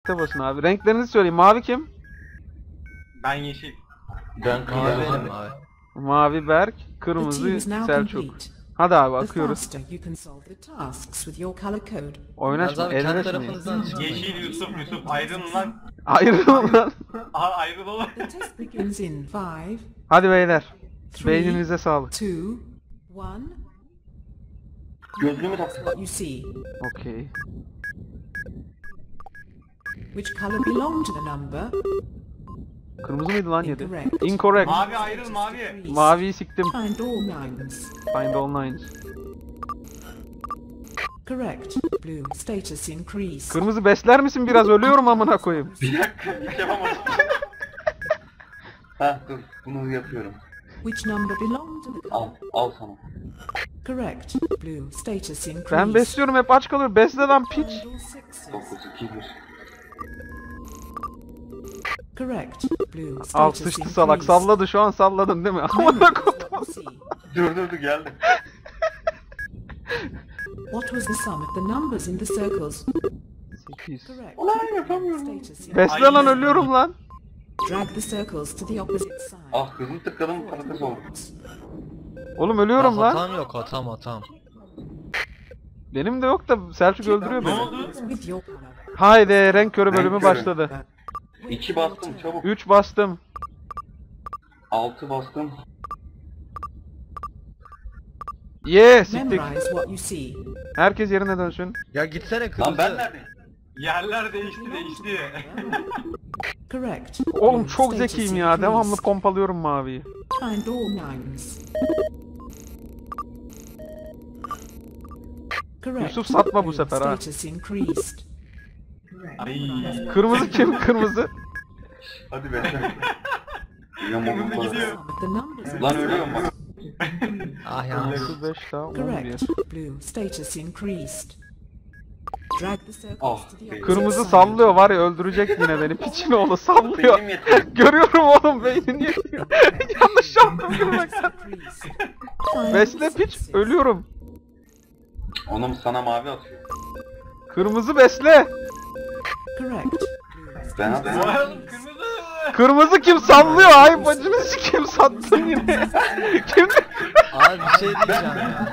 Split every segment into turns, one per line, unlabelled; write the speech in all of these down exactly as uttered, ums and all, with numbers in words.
Connect'e basın abi. Renklerinizi söyleyin. Mavi kim?
Ben yeşil.
Ben
Mavi
kırmızı.
benim abi.
Mavi Berk,
The team
kırmızı
is now
Selçuk.
complete.
Hadi abi
The
akıyoruz.
faster you can solve the tasks with your color code.
Yalnız
Oynaşma,
abi kendi
elleşmeyin.
tarafınızdan çıkmayın.
Yeşil Yusuf Yusuf ayrılın lan.
Ayrılın lan.
Aha ayrılalım.
The test begins in five,
Hadi beyler.
three,
Beyninize sağlık.
two, one.
Gözlüğümü tak.
What you see.
Okey.
Which color belonged to the number?
Kırmızı mıydı lan yedi?
Incorrect.
Incorrect.
Mavi ayrıl mavi.
Maviyi siktim.
Find all nines.
Find all nines.
Correct. Blue. Status increased.
Kırmızı besler misin biraz? Ölüyorum amına koyayım.
Bir dakika hiç yapamadım. Ha dur bunu yapıyorum.
Which number belonged to the
Al
color?
al sana.
Correct. Blue. Status increased.
Ben besliyorum hep aç kalıyor. Besle lan piç.
Find all sixes.
dokuz iki bir.
Correct. Blue.
Al
Status
sıçtı
increased.
salak. Salladı şu an salladın değil mi? Amına
Memory is
koyayım.
what you see.
Dur dur dur geldi.
What was the sum of the numbers in the circles?
sekiz.
Correct.
Ulan yapamıyorum.
Status increased.
Besle lan ölüyorum lan.
Drag the circles to the opposite side.
Ah kızım tıkladım patates oldu.
Oğlum ölüyorum
Ya
lan.
hatam yok hatam hatam.
Benim de yok da Selçuk öldürüyor
Ne
beni.
oldu?
With your color.
Haydi renk körü bölümü
Renk körü.
başladı.
İki bastım çabuk.
üç bastım.
Altı bastım.
Ye siktik.
Memorize what you see.
Herkes yerine dönsün.
Ya gitsene
Lan
kırmızı.
ben neredeyim?
Yerler değişti değişti.
Correct.
Oğlum
Blue.
çok
Status
zekiyim ya.
increased.
Devamlı pompalıyorum maviyi.
Find all nines. Correct.
Yusuf satma bu
Blue.
sefer ha.
Status increased.
Ay.
Kırmızı kim? Kırmızı.
Hadi be. Ya
Kırmızı
mama
gidiyor.
Sum of the numbers.
Lan ölüyorum bak.
Ah yanlış.
altı beş daha on bir.
Correct. Blue. Status increased. Drag the circles
Oh,
to the opposite
Kırmızı
side.
sallıyor var ya öldürecek yine beni. Piçin oğlu sallıyor.
Benim yetiyor.
Görüyorum oğlum beynin yetiyor. Yanlış yaptım gülmekten.
Increased. Find
Besle
all
piç
sixes.
ölüyorum.
Onum sana mavi atıyor.
Kırmızı besle.
Correct. Blue.
Ben
Vay
atıyorum.
oğlum, kırmızı.
Kırmızı kim sallıyor? Ay bacını sikeyim sattın yine. Kim?
Abi bir şey diyeceğim ya.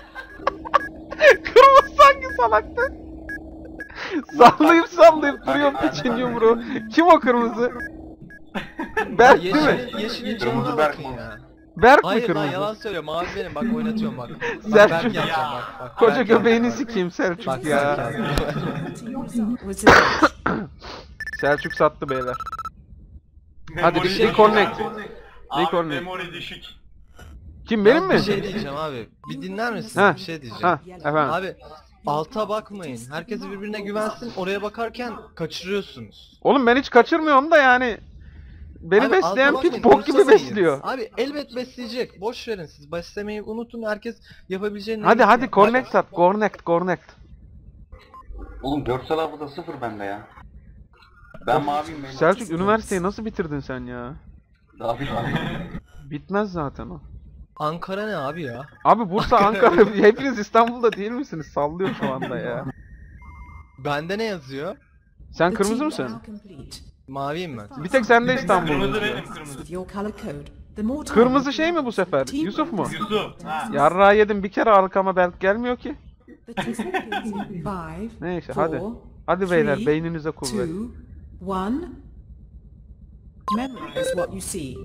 Kırmızı sanki salaktı. Sallayıp sallayıp duruyor piçin yumruğu. Kim o kırmızı? Berk değil mi?
Yeşilin, yeşilin
Kırmızı
canına
Berk
bakın
mi?
ya.
Berk mi
Hayır lan
kırmızı?
yalan söylüyor. Mavi benim bak oynatıyorum bak. Bak
Selçuk.
Berk yapacağım bak. bak
Koca
Berk
göbeğini
yapacağım,
sikeyim
bak.
Selçuk
Bak
ya.
Berk yapacağım.
Team result was a
Selçuk sattı beyler. Hadi
Memori
bir
düşük
reconnect.
abi. Abi
Reconnect.
memori düşük.
Kim benim mi?
Bir şey diyeceğim abi. Bir dinler misin?
Ha.
Bir şey diyeceğim.
Ha efendim.
Abi alta bakmayın. Herkes birbirine güvensin. Oraya bakarken kaçırıyorsunuz.
Oğlum ben hiç kaçırmıyorum da yani. Beni
Abi,
besleyen
alta
piç
bakmayın,
bok gibi
umursamayın.
besliyor.
Abi elbet besleyecek. Boş verin siz. Beslemeyi unutun. Herkes yapabileceğini
Hadi hadi connect at. Connect connect.
Oğlum görsel hafıza sıfır bende ya. Ben maviyim benim.
Selçuk üniversiteyi nasıl bitirdin sen ya?
Daha bir tane.
Bitmez zaten o.
Ankara ne abi ya?
Abi Bursa, Ankara hepiniz İstanbul'da değil misiniz? Sallıyor şu anda ya.
Bende ne yazıyor?
Sen
The
kırmızı
team
mısın?
now complete.
Maviyim ben.
Bir tek sende
Kırmızı
İstanbul'da.
benim kırmızı.
With your color code. The more time
Kırmızı
you
şey mi bu
use,
sefer?
team
Yusuf mu?
Yusuf. Ha.
Yarrağı yedim bir kere arkama belki gelmiyor ki.
The test begins in five,
Neyse
four,
hadi. Hadi beyler
three,
beyninize kuvvet.
two, one. Memorize what you see.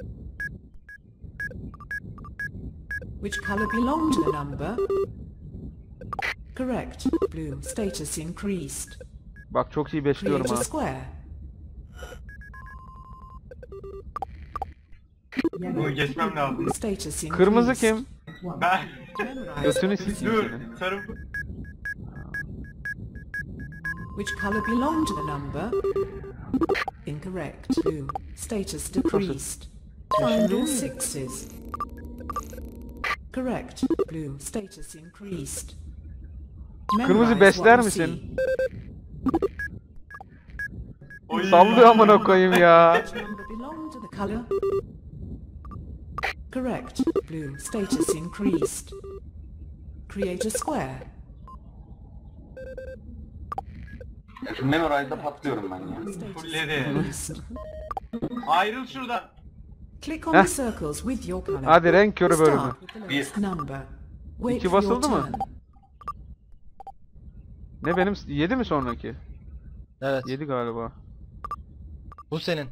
Which color belonged to the number? Correct. Blue. Status increased.
Bak çok iyi besliyorum
Create a
ha.
square.
Bunu geçmem lazım.
Status increased.
Kırmızı kim?
Ben.
Memorize
Götünü
what you see.
sikeyim
Dur.
senin.
Sarı.
Which color belonged to the number? Incorrect. Blue. Status decreased. Find all sixes. Correct. Blue. Status increased.
Kırmızı
Memorize
besler
what you
misin?
Oy.
Sallıyor amına koyayım ya.
see. Which number belonged to the color? Correct. Blue. Status increased. Create a square.
Şu Memorize'da patlıyorum ben ya.
Status
Fulledi.
increased.
Ayrıl şuradan.
Click on
Heh.
the circles with your color.
Hadi renk körü bölümü.
Start with the
Bir.
lowest number. Wait
İki
for your
basıldı mı?
turn.
Ne benim yedi mi sonraki?
Evet.
yedi galiba.
Bu senin.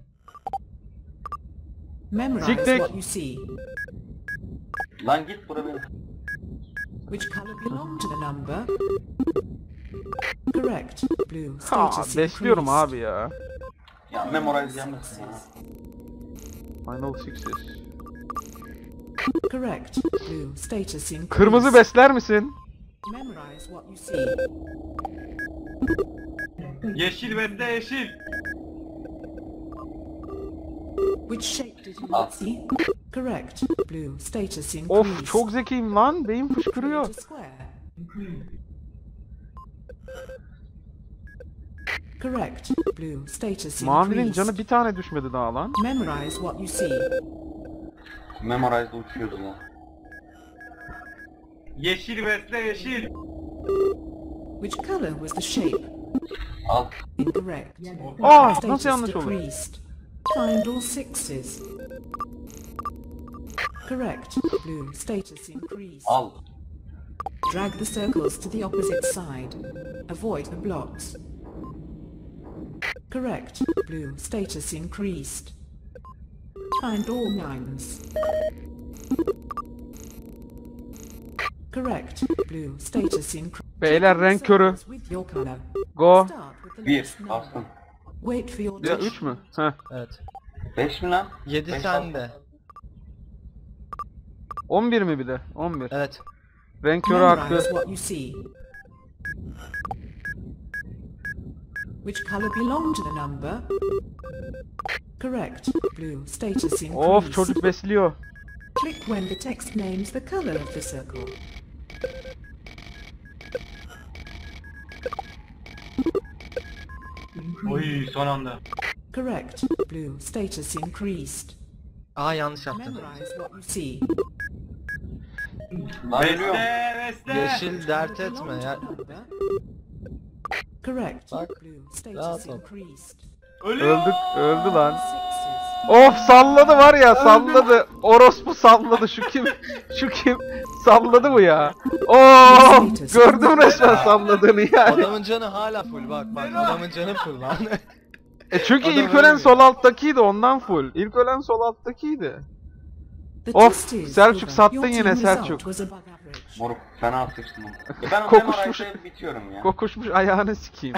Memorize
Siktir.
what you see.
Lan git bura benim.
Which color belong to the number? Correct. Blue.
Ha,
Status
besliyorum
increased.
abi ya.
Ya Memorize yanmasın ya.
Final Sixes.
Correct. Blue. Status increased.
Kırmızı besler misin?
Memorize what you see.
Yeşil besle yeşil.
Which shape did you
Ah.
see? Correct. Blue. Status increased.
Of çok zekiyim lan. Beyin fışkırıyor.
Create a square. Correct. Blue. Status
Mavinin
increased.
canı bir tane düşmedi daha lan.
Memorize what you see.
Memorize'da uçuyoruz ya.
Yeşil besle yeşil.
Which color was the shape?
Al.
Incorrect.
Aa
Status
nasıl yanlış olur?
decreased. Find all sixes. Correct. Blue. Status increased.
Al.
Drag the circles to the opposite side. Avoid the blocks. Correct. Blue. Status increased. Find all nines. Correct. Blue. Status increased.
Beyler renk körü.
With your color.
Go.
Start with the
Bir.
lowest number.
Bastım.
Wait for your
Ya
turn.
üç mü? Heh.
Evet.
Beş mi lan?
yedi
Beş
sende.
on bir mi bir de? on bir.
Evet.
Renk körü hakkı.
Memorize what you see. Which color belong to the number? Correct. Blue. Status increased.
Of çocuk besliyor.
Click when the text names the color of the circle.
Oy son anda.
Correct. Blue. Status increased.
Aa yanlış yaptım.
Memorize what you see.
Lan ölüyorum.
Besle besle.
Yeşil dert
Belong
etme
to
ya.
the number. Correct.
Bak,
Blue.
rahat
Status
ol.
increased.
Ölüyor.
Öldük, öldü lan.
Sixes.
Of salladı var ya salladı. Orospu salladı şu kim? Şu kim? Salladı bu ya. Of gördüm resmen salladığını yani.
Adamın canı hala full bak bak adamın canı full lan.
E çünkü
Adam
ilk ölen
ölmüyor.
sol alttakiydi ondan full. İlk ölen sol alttakiydi.
The
Of,
twist is,
Selçuk
Silver,
sattın
your
yine,
team result
Selçuk.
was above average.
Moruk fena sıçtım. Ya ben o
Kokuşmuş.
Memorize'da bitiyorum ya.
Kokuşmuş ayağını sikeyim.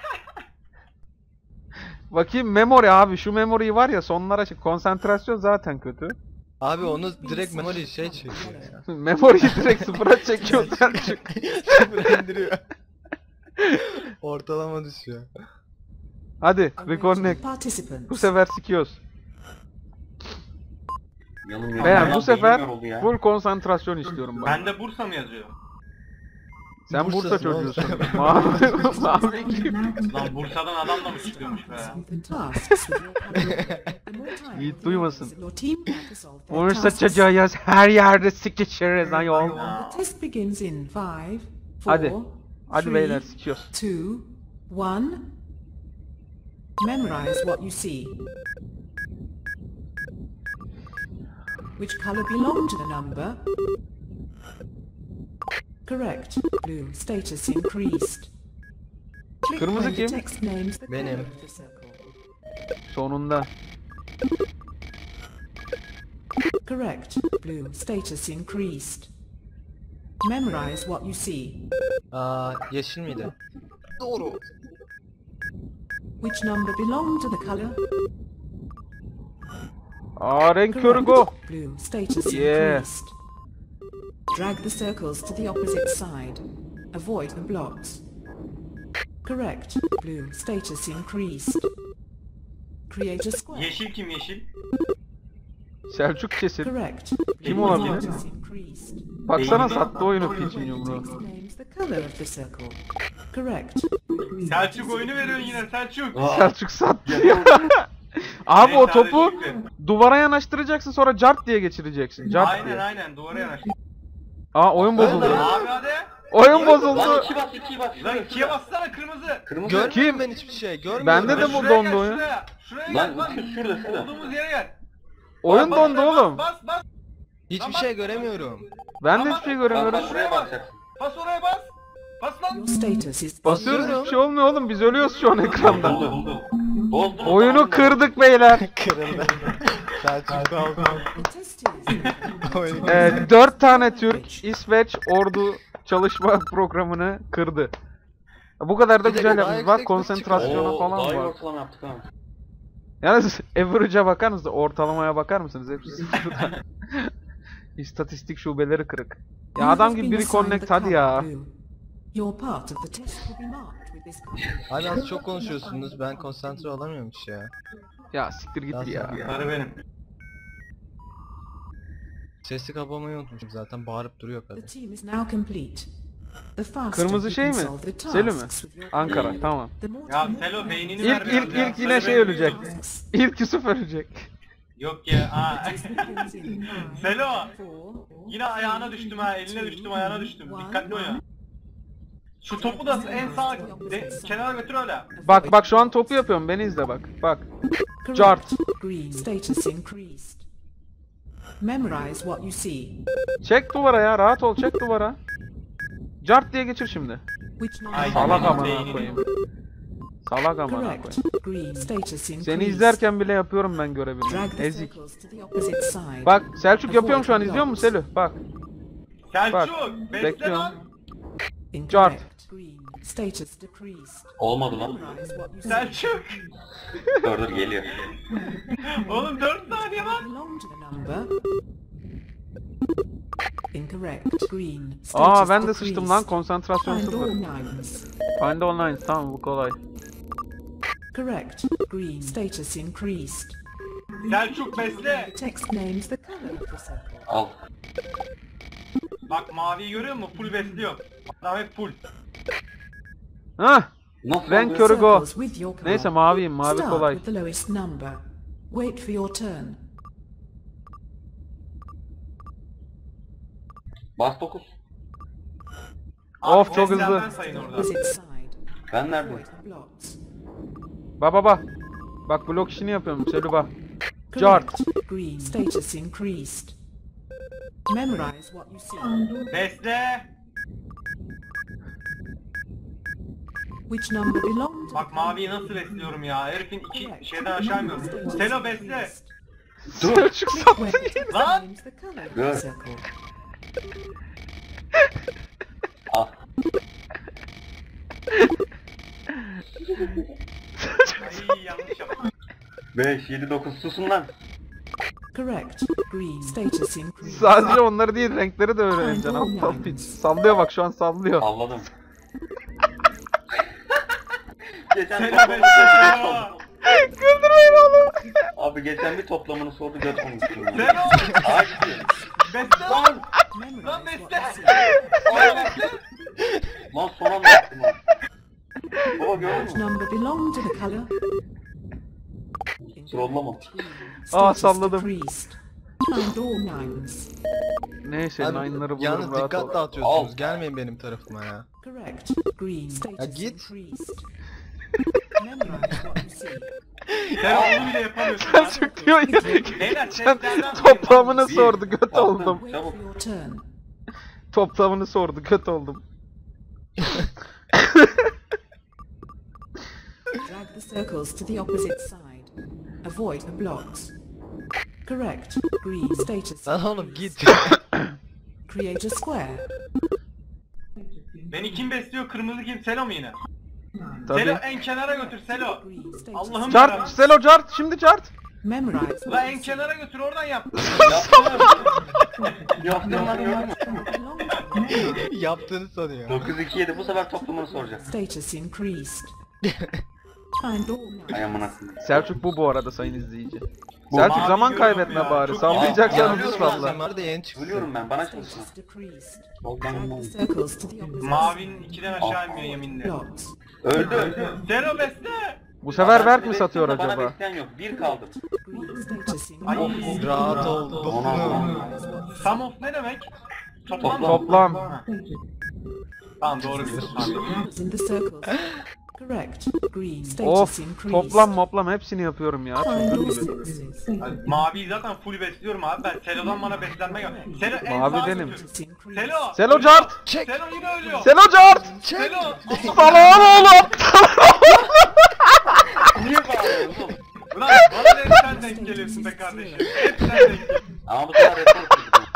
Bakayım memory abi şu memory'yi var ya sonlara çık. Konsantrasyon zaten kötü.
Abi onu direkt memory şey çekiyor ya.
Memory'yi direkt sıfıra çekiyor Selçuk.
Sıfır indiriyor. Ortalama düşüyor.
Hadi
Arrange
reconnect.
participants.
Bu sefer sikiyoruz.
Yalın
Beyler
yalın
bu
yalın
sefer
beynim yoruldu ya.
full konsantrasyon istiyorum bak.
Bende Bursa mı yazıyor?
Sen Bursa
Bursa'sın oğlum.
çocuğusun. Mavi, mavi kim?
Lan Bursa'dan adam da mı çıkıyormuş be?
The tasks with your color. The more time
Yiğit
with
duymasın.
your team have to solve their
Bursa
tasks.
çocuğu yaz her yerde sikişiriz ayol.
The test begins in five, four,
Hadi. Hadi
three,
beyler sikiyoruz.
two, one. Memorize what you see. Which color belong to the number? Correct. Blue. Status increased. Click
Kırmızı
when the
kim?
text names the
Benim.
color of the circle.
Sonunda.
Correct. Blue. Status increased. Memorize what you see.
Aa yeşil miydi? Doğru.
Which number belong to the color?
Aa renk körü
Correct.
go.
Blue. Status
Yeah.
increased. Drag the circles to the opposite side. Avoid the blocks. Correct. Blue. Status increased. Create a square.
Yeşil kim yeşil?
Selçuk kesin.
Correct.
Kim
Blue
olabilir?
status increased.
Baksana
Beynim-
sattı oyunu piçin yumruğu.
Text names the color of the circle. Correct.
Selçuk oyunu veriyor yine Selçuk.
Aa,
Selçuk sattı ya. Abi o
Neyse,
topu
hadi Şükrü.
duvara yanaştıracaksın sonra cart diye geçireceksin. Cart
Aynen
diye.
aynen duvara yanaş.
Aa oyun bozuldu.
Abi hadi.
Oyun
Lan
bozuldu.
iki bas iki bas.
Lan
Şuraya,
ikiye
şuraya.
bassana kırmızı.
Kırmızı.
Görmüyorum ben hiçbir şey. Görmüyorum.
Bende de
Lan
bu
şuraya
dondu
gel,
oyun.
Şuraya, şuraya
Lan
gel bak.
şurada şurada.
Olduğumuz yere gel.
Oyun
Bas,
dondu
bas,
oğlum.
Bas bas.
Hiçbir şey göremiyorum.
Ben de
Ama-
hiçbir şey
Bak
göremiyorum.
bak şuraya basacaksın.
Bas oraya bas. Bas lan.
Your status is
Basıyoruz
Basıyorum.
hiçbir şey olmuyor oğlum. Biz ölüyoruz şu an ekranda.
Buldu buldu. Bozdu mu?
Oyunu
Tamam,
kırdık beyler.
Kırıldı. Selçuk kaldı.
the test is
Oyun-
Ee, dört tane Türk, İsveç ordu çalışma programını kırdı. Bu kadar da
Bir de
güzel
daha
yapmış. Bak
yüksek
konsantrasyona
Oo,
falan
daha iyi
var.
ortalama yaptık ha.
Yalnız average'a bakar mısınız? Ortalamaya bakar mısınız? Hepsi sıfırda. İstatistik şubeleri kırık. Ya
You
adam
have
gibi
been
biri
assigned
connect
the
hadi
color
ya.
blue. Your part of the test will be marked with this color.
Abi az çok konuşuyorsunuz. Ben konsantre olamıyorum hiç ya.
Ya siktir git ya.
Sarı benim.
Sesi kapamayı unutmuşum zaten. Bağırıp duruyor
The
kadın.
team is now complete. The faster
Kırmızı
you
şey
can
mi?
solve the
Selo mu?
tasks with your
Ankara
color,
tamam.
the more
Ya
time
Selo
you
beynini
İlk
ver biraz
ilk
ya.
ilk yine
Sarı
şey
benim.
ölecek.
tasks.
İlk Yusuf ölecek.
Yok ya. Aa.
Begins in five,
Selo.
four,
Yine ayağına düştüm ha. Eline düştüm, ayağına düştüm. Dikkatli oyna. Şu topu da en sağ de, kenara götür öyle.
Bak bak şu an topu yapıyorum. Beni izle bak. Bak.
Correct.
Chart.
Green. Status increased. Memorize what you see.
Çek duvara ya. Rahat ol. Çek duvara. Cart diye geçir şimdi.
Which number?
Ay,
Salak
Beynini,
amına
beynini.
koyayım. Salak amına
Correct.
koyayım.
Green. Status increased.
Seni izlerken bile yapıyorum ben
Drag
görevimi.
the
Ezik.
circles to the opposite side.
Bak Selçuk yapıyorum şu an izliyor musun Selü? Bak.
Selçuk, bekle
bekliyorum.
lan.
Incorrect. Green. Status decreased.
Olmadı lan.
Memorize what you see.
Selçuk.
Dur dur geliyor.
Oğlum dört saniye lan.
Belong to the number. Incorrect. Green.
Aa
Status
ben de sıçtım lan
decreased.
konsantrasyon
Find all
sıfır.
nines.
Find all nines tamam bu kolay.
Correct. Green. Status increased.
Selçuk besle.
The text names the color of the circle.
Al.
Bak maviyi görüyor musun? Full besliyor. Adam hep full.
Hah.
Nasıl
Renk
oluyor?
körü go.
Circles with your color.
Neyse maviyim mavi
Start
kolay.
with the lowest number. Wait for your turn.
Bas dokuz.
Abi
Of, çok
seslerden
hızlı.
sayın orada.
Opposite side.
Ben neredeyim?
Avoid the blocks.
Ba ba ba. Bak blok işini yapıyorum Selü bak. Chart.
Correct. Green. Status increased. Memorize what you see.
Besle.
Which number belongs to
Bak
the
maviyi nasıl besliyorum ya? Herifin iki şeyden aşağı inmiyorum. Selo besle.
Dur.
Selçuk
Click
sattı.
where the text
Lan!
names the color of
Good.
the circle.
Al.
Ay yanlış yaptım.
beş, yedi, dokuz susun lan.
Correct. Green. Status increased.
Sadece onları değil renkleri de öğreneceksin. Aptal piç. Sallıyor bak şu an sallıyor.
Salladım. Geçen
Selo
toplamını
besle.
sordu.
Selo.
Güldürmeyin oğlum.
Abi geçen bir toplamını sordu göt olmuştum ya.
Selo.
Aa gidiyor.
Besle lan.
Memorize
Lan
what
besle.
you see.
Selo besle.
Lan son anda yaptım lan. Baba gördün
Which
mü?
number belong to the color?
Trollama.
Aa,
Status
salladım.
decreased. Find all nines.
Neyse
Abi,
nine'ları bulurum
yalnız
rahat ol.
dikkat dağıtıyorsunuz.
Al.
Gelmeyin benim tarafıma ya.
Correct. Green. Status
git.
increased. Memorize what you see.
Selo onu bile yapamıyorsun lan.
Selçuk diyor ya.
Beyler
Sen
seslerden
toplamını
Bir,
sordu göt
altı.
oldum.
Wait
Çabuk.
for your turn.
Toplamını sordu göt oldum.
Drag the circles to the opposite side. Avoid the blocks. Correct. Green. Status.
Lan oğlum git.
Create a square.
Beni kim besliyor? Kırmızı kim? Selo mu yine?
Tabii.
Selo en kenara götür Selo.
Green. Status.
Allah'ım
Chart,
yarabbim.
Selo chart, şimdi chart.
Memorize
La
what
en
you see.
kenara götür oradan yap.
Yaptım lan gördün mü?
Belong to the number.
Yaptığını sanıyor.
dokuz, iki, yedi bu sefer toplamını soracak.
Status increased. Find all nines.
Ay amına koyayım.
Selçuk bu bu arada sayın izleyici.
Bu.
Selçuk
Mavi
zaman
görüyorum
kaybetme
ya,
bari.
çok
Sallayacaksan
iyi.
hızlı
Biliyorum
salla.
Sen var da yeni çıksın.
Ölüyorum ben bana çalışma.
Status decreased.
Soldan
Drag the
olmaz.
circles to the opposite
Mavinin ikiden aşağı inmiyor
side.
yeminle.
Blocks.
Öldü öldü.
Selo besle.
Bu sefer
Ben
Berk
seni
mi satıyor
bekliyorum da Bana
acaba?
bekleyen yok. Bir kaldı.
Green. Status
Ay.
increased.
Rahat ol.
Ona
Dokunu.
ona.
Sum of ne demek? Toplam mı?
Toplam.
Ha. Tamam doğru biliyorsun. Tamam.
Numbers in the circles. Correct. Green.
Of,
Status increased.
toplam moplam hepsini yapıyorum ya.
Find all
Çıldırdım.
sixes.
Hadi, Mavi'yi zaten full besliyorum abi ben. Selo'dan bana beslenme gel. Selo en
Mavi
sağ
benim.
götür.
Status increased.
Selo.
Selo cart!
Çek!
Selo yine ölüyor.
Selo cart!
Selo.
Salağın oğlum!
Niye bağırıyorsun oğlum?
Ulan bana da hep sen denk geliyorsun be kardeşim. Hep sen denk geliyorsun.
Ama bu sefer report çektim.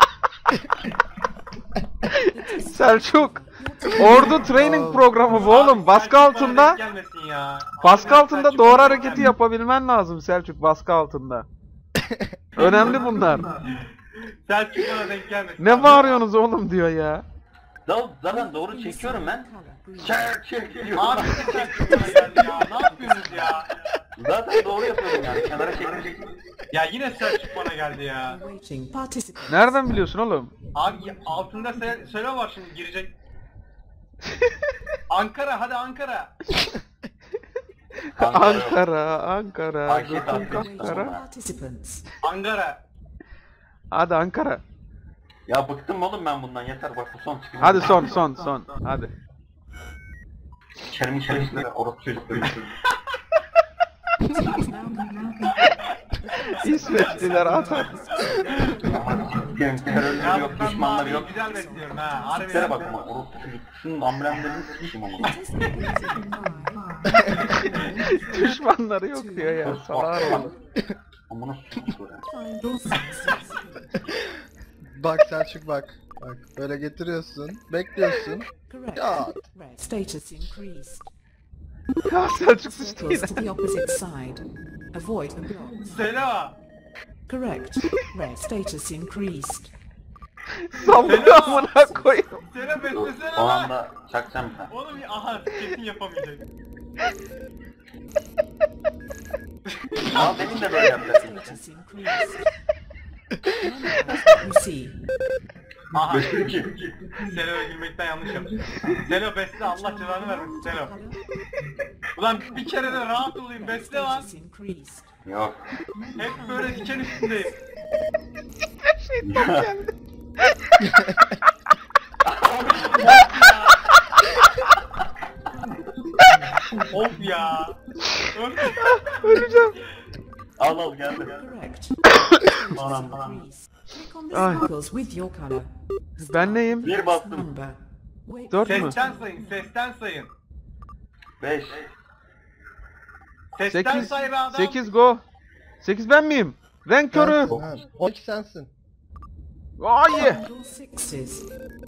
Selçuk! Ordu training programı bu oğlum. Baskı
Selçuk bana
altında,
denk gelmesin ya.
baskı
Harbiden
altında
Selçuk
doğru
bana
hareketi
gelmesin.
yapabilmen lazım Selçuk, baskı altında. Önemli bunlar.
Selçuk bana denk gelmesin.
Ne bağırıyorsunuz oğlum diyor ya.
Da- Zaten doğru çekiyorum ben. Çek çek diyorum.
Abi siz Selçuk bana geldi ya. Ne yapıyorsunuz ya?
Zaten doğru yapıyorum yani. Kenara çekmeyeceksin.
Ya yine Selçuk bana geldi ya.
Waiting participants.
Nereden biliyorsun oğlum?
Abi ya- altında se Selo var şimdi girecek. Ankara hadi Ankara.
Ankara, Ankara,
Ayşe
götün
Tatlı.
Ankara.
Participants.
Ankara.
Hadi Ankara.
Ya bıktım oğlum ben bundan yeter bak bu son çıkıyor.
Hadi son, son, son. Hadi.
İçerim içerisinde orası çocukları.
İsveçliler atar.
Diyelim terörleri
Ya
yok,
ben
düşmanları
Mavi'yi
yok.
güzel besliyorum ha. Harbi.
Tiplere bak ama orası çocuk. Şunun amblemlerini sikişim ama.
Düşmanları yok diyor ya. Salağın oğlum.
Amına s***yor ya.
Find all sixes.
Bak Selçuk bak. Bak böyle getiriyorsun. Bekliyorsun.
Correct.
Ya.
Red. Status increased.
Ya Selçuk sıçtı yine.
Circles to the opposite side. Avoid the blocks.
Selo.
Correct. Red. Status increased.
Sallıyor amına koyayım.
Selo
Dur,
beslesene
o
lan.
anda çakacağım ben.
Oğlum ya- aha kesin yapamayacak.
Ama benim de böyle yapacaksın.
Status increased. Memorize what you see.
Aha.
Beşli iki.
Selo'ya girmekten yanlış yaptım. Selo besle Allah cezanı vermesin Selo. Ulan bir kere de rahat olayım besle lan.
Status increased.
Yok.
Hep böyle diken üstündeyim. Of ya. Öf.
Öleceğim.
Al al geldi.
Correct.
Anam
Status
anam.
increased. Click on the
Ay.
circles with your color.
Ben neyim?
Bir bastım.
Number. Wait.
Dört mü?
Sesten sayın, sesten sayın.
Beş.
Sesten
Sekiz.
say be adam.
Sekiz go. Sekiz ben miyim? Renk körü.
Sensin, ha. on iki sensin.
Ay.
Find all sixes.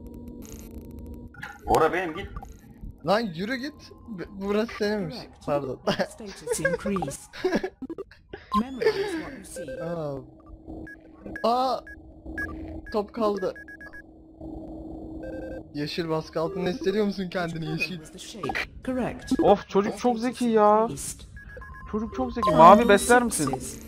Ora benim git.
Lan yürü git. B- Burası seninmiş.
Correct.
Pardon.
Status increased. Memorize what you see.
Aa. Aa. Top kaldı. Yeşil baskı altında hissediyor musun kendini
Color
yeşil?
was the shape. Correct.
Of çocuk çok zeki ya.
Increased.
Çocuk çok zeki.
Find
Mavi
all
besler misin?
sixes.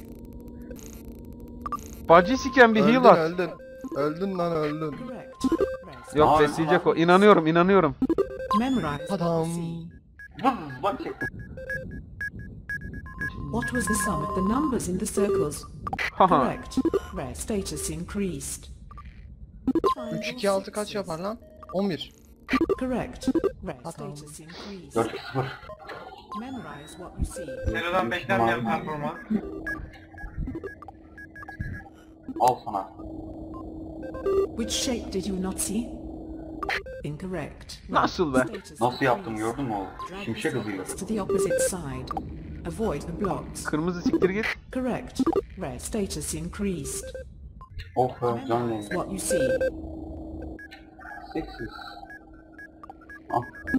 Bacı siken bir
Öldün
heal at.
öldün. Öldün lan öldün.
Correct. Red.
Yok
Mavi,
besleyecek o. İnanıyorum inanıyorum.
Memorize what
Adam.
you see.
Vız bak çektim.
What was the sum of the numbers in the circles?
Haha.
Correct. Red. Status increased. Find
üç
all
iki altı kaç
sixes.
yapar lan? on bir.
Correct. Red.
Adam.
Status increased.
Dört iki sıfır.
Memorize what you see.
Selo'dan beklenmeyen performans.
Al sana.
Which shape did you not see? Incorrect. Red.
Nasıl be?
Status
Nasıl yaptım
increased.
gördün mü o?
Drag the
Şimşek hızıyla.
circles to the opposite side. Avoid the blocks.
Kırmızı siktir git.
Correct. Red. Status increased.
Of be can
Memorize
rengi.
what you see.
Seksiz. Al.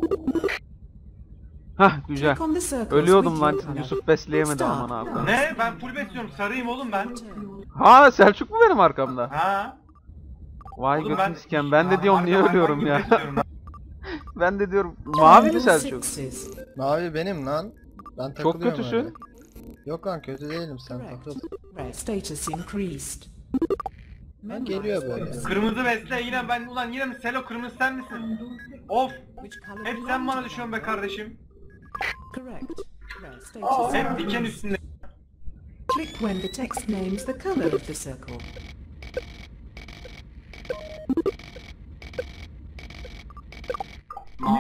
Hah güzel.
Click on the circles
Ölüyordum
with
lan.
your color.
Yusuf besleyemedi
Start.
aman abi.
Ne? Ben full besliyorum. Sarıyım oğlum ben.
Turn.
Ha Selçuk mu benim arkamda?
Ha?
Vay
Oğlum
götünü siken. Ben de diyorum niye
Harbi hayvan
ölüyorum
gibi
ya.
besliyorum.
Ben de diyorum mavi mi
Find all
Selçuk?
sixes.
Mavi benim lan. Ben
Çok
takılıyorum
kötüsün.
öyle. Yok lan kötü değilim sen
Correct.
takıl.
Red. Status increased.
Ben geliyor böyle.
Kırmızı besle yine ben ulan yine mi Selo kırmızı sen misin? Of
Which color
hep
belongs
sen bana
to
düşüyorsun
them?
be kardeşim.
Correct. Red. Status
Hep
increased.
diken üstünde.
Click when the text names the color of the circle.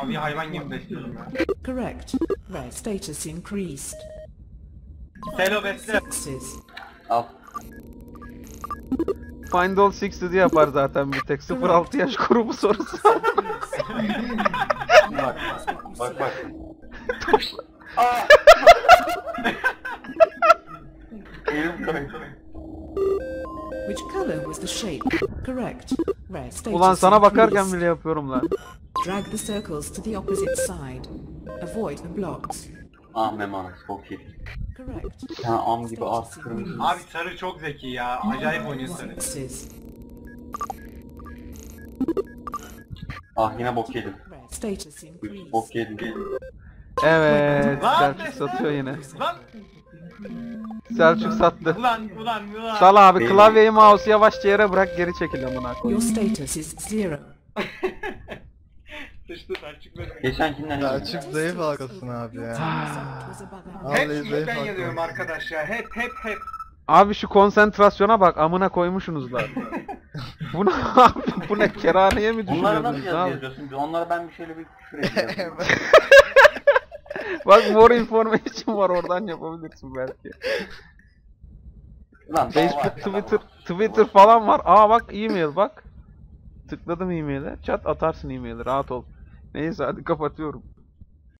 Mavi hayvan gibi besliyorum ya.
Correct. Red status increased.
Selo besle.
Sixes.
Al.
Find all sixty yapar zaten bir tek. sıfır altı yaş grubu sorusu.
Bak bak bak. Elim kaydı.
Which color was the shape? Correct. Red status
Ulan sana bakarken
increased.
bile yapıyorum lan.
Drag the circles to the opposite side. Avoid the blocks.
Ah memanız bok yedi.
Correct.
Sen am gibi artık kırmızı.
Abi sarı çok zeki ya. Acayip oynuyor sarı.
Sixes.
Ah yine bok yedim.
Red status
Üç
increased.
bok yedim.
Evet.
Lan
Selçuk
besle.
satıyor yine.
Lan.
Selçuk sattı.
Ulan ulan ulan.
Sal abi
Benim-
klavyeyi mouse'u yavaşça yere bırak geri çekil amına koy.
Your status is zero.
Sıçtı Selçuk besle.
Geçenkinden iyi.
Selçuk zayıf halkasın abi ya.
Was above
Vallahi
Hep ilk
zayıf
ben
halka.
yanıyorum arkadaş ya. Hep hep hep.
Abi şu konsantrasyona bak amına koymuşsunuz lan. Bu ne abi? Bu ne kerhaneye mi
Bunları nasıl
düşünüyordunuz
yazı
abi?
yazıyorsun? Onlara ben bir şeyle bir küfür ediyorum.
Bak more information var oradan yapabilirsin belki.
Lan,
Facebook,
dava-
Twitter, Twitter falan var. Aa bak e-mail bak. Tıkladım e-mail'e. Chat atarsın e-mail'i rahat ol. Neyse hadi kapatıyorum.